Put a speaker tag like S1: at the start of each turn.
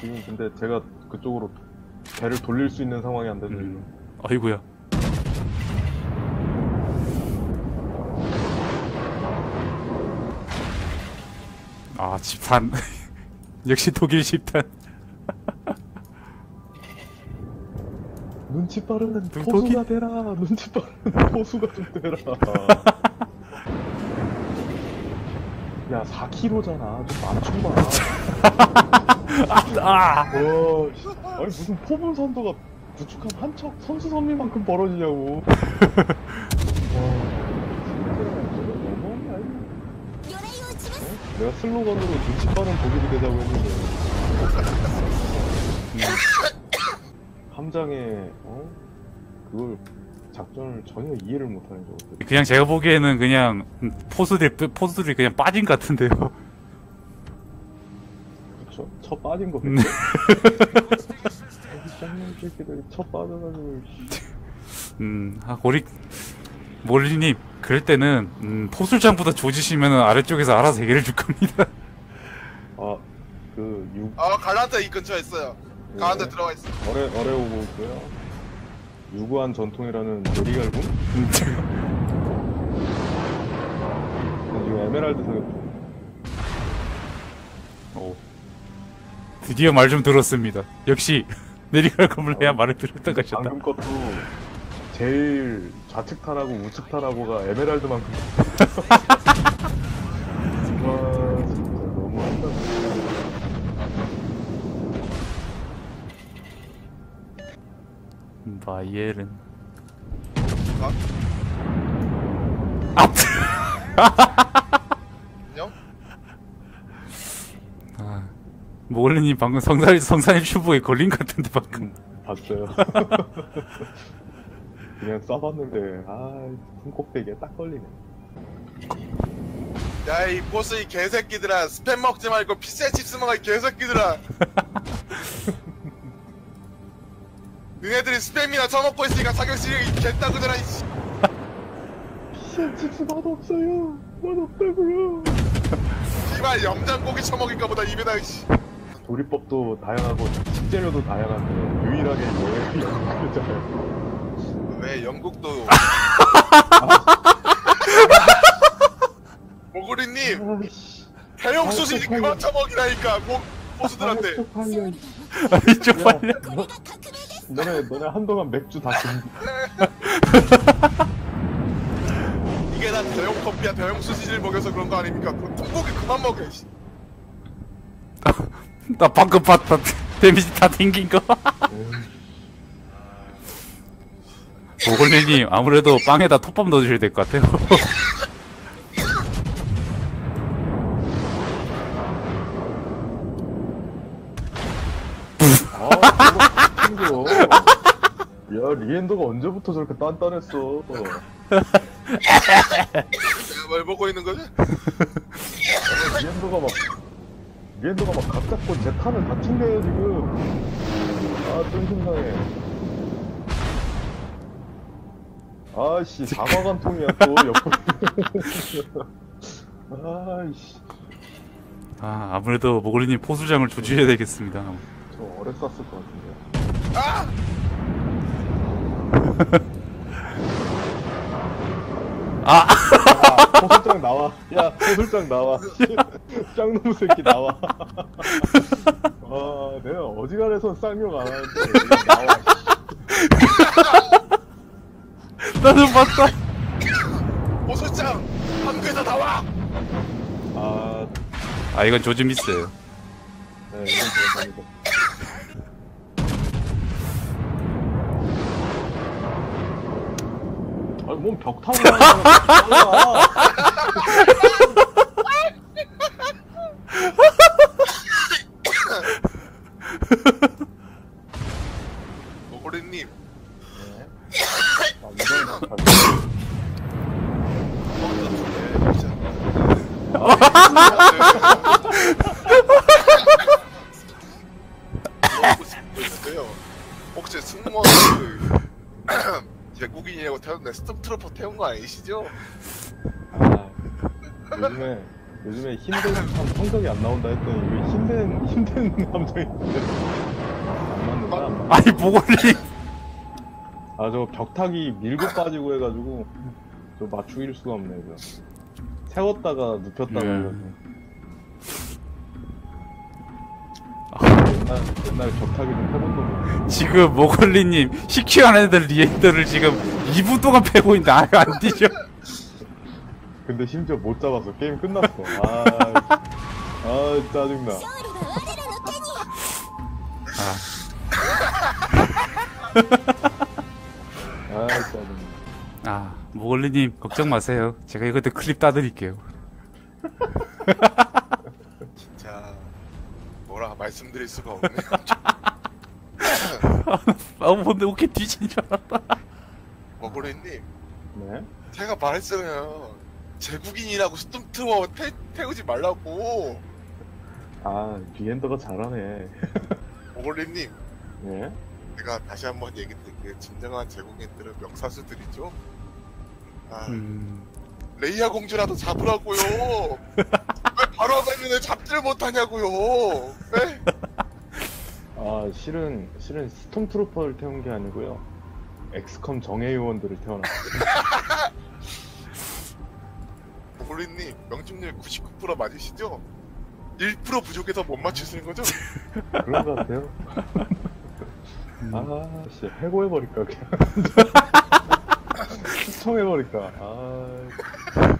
S1: 지금 근데 제가 그쪽으로 배를 돌릴 수 있는 상황이 안 되죠.
S2: 아이고야. 아, 집탄. 역시 독일 집탄.
S1: 눈치 빠르는 포수가 되라. 눈치 빠르는 포수가 좀 되라. 야, 4kg잖아. 좀 맞춰봐. 아니 무슨 포분 선도가 구축한 한 척 선수 선미만큼 벌어지냐고. 와, 내가 슬로건으로 눈치 빠른 독일이 되자고 했는데 함장에 그걸 작전을 전혀 이해를 못하는 거.
S2: 그냥 제가 보기에는 그냥 포수들이 그냥 빠진 것 같은데요.
S1: 그쵸? 쳐 빠진 거 같죠? 쌍놈 새끼들이 쳐 빠져가지고.
S2: 몰리님, 그럴 때는 포술장보다 조지시면 아래쪽에서 알아서 해결해 줄 겁니다.
S3: 갈란타 이 근처에 있어요.
S1: 네.
S3: 갈란타 들어가 있어.
S1: 어뢰 오고 있고요. 유구한 전통이라는 요리갈군? 지금 에메랄드 사격.
S2: 드디어 말 좀 들었습니다. 역시 내리갈금을 해야 말을 들었다 가셨다.
S1: 방금 것도 제일 좌측 타라고 우측 타라고가 에메랄드만큼. 와 진짜 너무한다.
S2: 바이엘은
S3: 안녕?
S2: 모글리님 방금 성산일 슈퍼에 걸린 것 같은데 방금.
S1: 봤어요. 그냥 쏴봤는데 손꼭대기에 딱 걸리네.
S3: 야, 이 보스 이 개새끼들아, 스팸 먹지 말고 피자칩스 먹어, 이 개새끼들아. 너네들이 스팸이나 처먹고 있으니까 사격 실력이 개따구더라, 이씨.
S1: 피자칩스 맛없어요. 맛없다고요.
S3: 씨발, 염장고기 처먹을까 보다 입에다, 이씨.
S1: 조리법도 다양하고 식재료도 다양한데 유일하게 왜 영국이잖아요.
S3: 왜 영국도 모구리님 해영 소시지 그만 처먹이라니까 보수들한테.
S2: 쪽팔려.
S1: 너네 한동안 맥주 다 금지.
S3: 이게 다 대형 커피야. 대형 소시지를 먹여서 그런 거 아닙니까? 그 통고기 그만 먹여.
S2: 나 방금 봤다. 데미지 다 튕긴 거. 모글리님 아무래도 빵에다 톱밥 넣어주셔야 될 것 같아요.
S1: 친구. 야, 리엔더가 언제부터 저렇게 단단했어.
S3: 내가 뭘 보고 있는 거지?
S1: 리엔더가 막 각 잡고 제 탄을 다 튕겨요 지금. 좀 심상해. 아이씨, 사과관통이야 또 옆으로. 아이씨.
S2: 아무래도 모글리님 포수장을 조주해야 되겠습니다.
S1: 저 어뢰 쐈을 것 같은데. 포술장 나와. 야, 포술장 나와. 짱놈 새끼 나와. 내가 어지간해서 쌍욕 안 하는데 나와.
S2: 나도 봤다.
S3: 보수장 한국에서 나와.
S2: 이건 조지 미스예요.
S1: 네, 이건 제가 갑니다. 뭔 벽 타고 나와.
S3: 모구리님. 혹시 승무원 외국인이라고 태웠는데 스톰트로퍼 태운 거 아니시죠?
S1: 요즘에 요즘에 힘든 참 성적이 안 나온다 했더니 왜 힘든 감정인데 안 맞는다. 안 맞는다.
S2: 아니 모골님.
S1: 아 저 벽타기 밀고 빠지고 해가지고 저 맞추길 수가 없네 이거. 세웠다가 눕혔다가
S2: 네.
S1: 해가지고. 옛날에 벽타기 좀 해본 놈이.
S2: 지금 모골리님 시큐한 애들 리액터를 지금 2분 동안 패고 있는데 아예 안 뒤져.
S1: 근데 심지어 못 잡았어. 게임 끝났어. 짜증나. 짜증나.
S2: 아 모골리님 걱정 마세요. 제가 이것도 클립 따드릴게요.
S3: 진짜 뭐라 말씀드릴 수가 없네요.
S2: 아 근데 어떻게 뒤진 줄 알았다.
S3: 머고래님,
S1: 네?
S3: 제가 말했잖아요. 제국인이라고 스톰트워 태우지 말라고.
S1: 비엔더가 잘하네.
S3: 머고래님,
S1: 네?
S3: 제가 다시 한번 얘기 드릴게요. 진정한 제국인들은 명사수들이죠. 레이아 공주라도 잡으라고요. 왜 바로 앞에 잡지를 못하냐고요. 네?
S1: 실은 스톰트루퍼를 태운 게 아니고요. 엑스컴 정예 요원들을 태워놨어요.
S3: 머고래님, 명중률 99% 맞으시죠? 1% 부족해서 못 맞추시는 거죠?
S1: 그런 것 같아요. 해고해버릴까, 그냥. 시청해버릴까.